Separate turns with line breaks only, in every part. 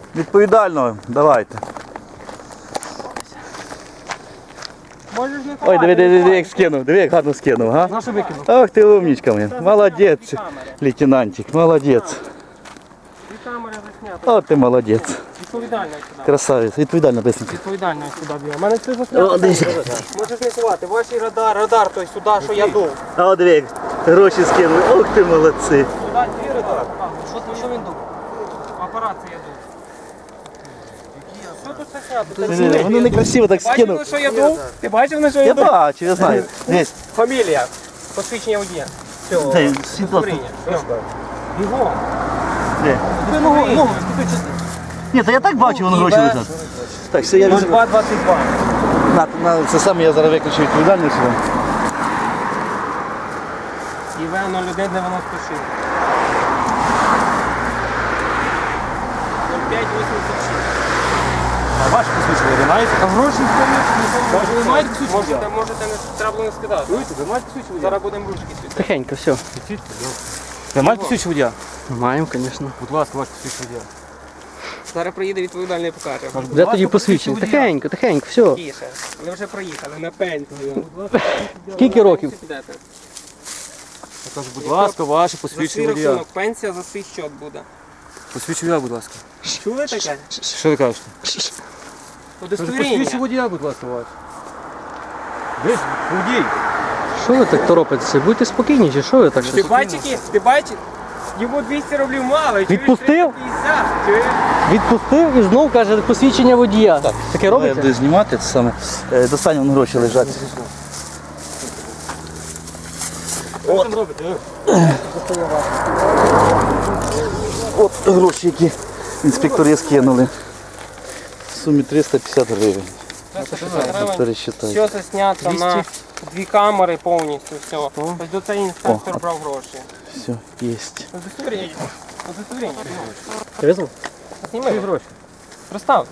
Відповідально, давайте.
Можеш не
Ой, диви, як скинув, диви, як гарно скинув, га?
Нашу викинув.
Ох ти умничка моя. Молодець, лейтенантик, молодець.
Дві камери засняти.
О, ти молодець.
Відповідально сюди.
Красавець, відповідально, бисенько.
Відповідально сюди б'є. У мене все заснято. Можеш не ховати. Ваш радар той сюди, що я дув.
А от диви, як гроші скинули. Ох ти молодці.
Сюди твій радар. Що він дув? Апарат це я дув. Що тут заснято?
Вони некрасиво так
Бачив,
скинув.
на що я дув? Ти бачив, на що я
Я
дув?
бачу, я знаю. Дивись.
Фамілія. Посвідчення водія. Цього.
Дай, світло.
Бігом.
Де? Ні, то я так бачу, воно гроші лежать. Так, все, я візьму.
0222.
Це саме я зараз виключу відповідальність.
ІВ 0196. 0586.
А ваші посвідчення ви маєте?
А гроші
Ви маєте посвідчення?
можете не треба було не скидати.
Ви маєте посвідчення?
Зараз будемо ручки світити.
Тихенько, все.
Ви маєте посвідчення водія?
Маємо, звісно.
Будь ласка, ваше посвідчення водія.
Зараз приїде відповідальний і покаже.
Де тоді посвідчення? Тихенько, тихенько, все.
Тіше. Ви вже проїхали на пенсію.
Скільки років?
Підете.
Я кажу, будь ласка, ваше
За свій
посвідчення водія.
рахунок пенсія за свій счет буде.
Посвідчення водія, будь ласка.
Чули таке?
Що ви кажете?
Удостоверення.
Посвідчення водія, будь ласка, ваше. Ви ж водій.
Що ви так торопитеся? Будьте спокійні, чи що ви так
Ти
щось?
бачиш, ти бачиш? Йому 200 рублів мало. чуєш,
Відпустив?
350, чуєш?
Відпустив і знов каже посвідчення водія. Таке
Я
робиться?
буду знімати це саме. Достань, вон гроші лежать.
Що ви там робите?
От гроші, які інспектори скинули. В сумі 350 гривень.
350 гривень.
Пересчитай.
Все заснято на дві камери повністю. Все. Ось до цей інспектор
О.
брав гроші.
Все, єсть.
Удостоверення. Удостоверення.
Ти визнав?
Зніми гроші. Представте.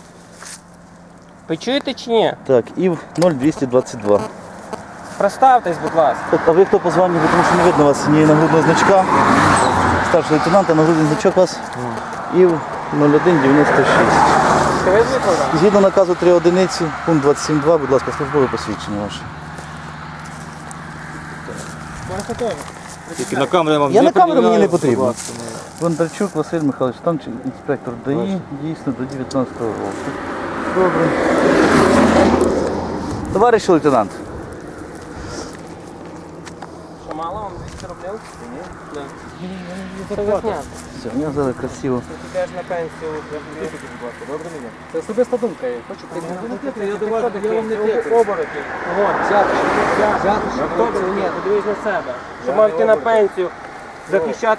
Ви чуєте чи ні?
Так, ІВ 0222.
Представтесь, будь ласка.
Так, а ви хто по званню, тому що не видно вас ні нагрудного значка. Старший лейтенант, а нагрудний значок у вас ІВ 0196.
Ти ви викладав?
Згідно наказу 3 одиниці, пункт 27.2, будь ласка, службове посвідчення ваше.
Тільки на камеру я вам
Я
не
на камеру мені
пред'являю,
не потрібно.
будь ласка, не.
Бондарчук Василь Михайлович, там інспектор ДАІ, дійсно до 19 року. Добре. Товариш лейтенант,
Що мало вам 200 рублів? Ні. Да. Це заснято.
все, я зараз красиво.
Ти йдеш на пенсію.
Це особиста думка. Хочу
Я вам не тикаю. Оборотів. Взяти. Ні, ти дивись на себе. Щоб мав йти на пенсію, захищати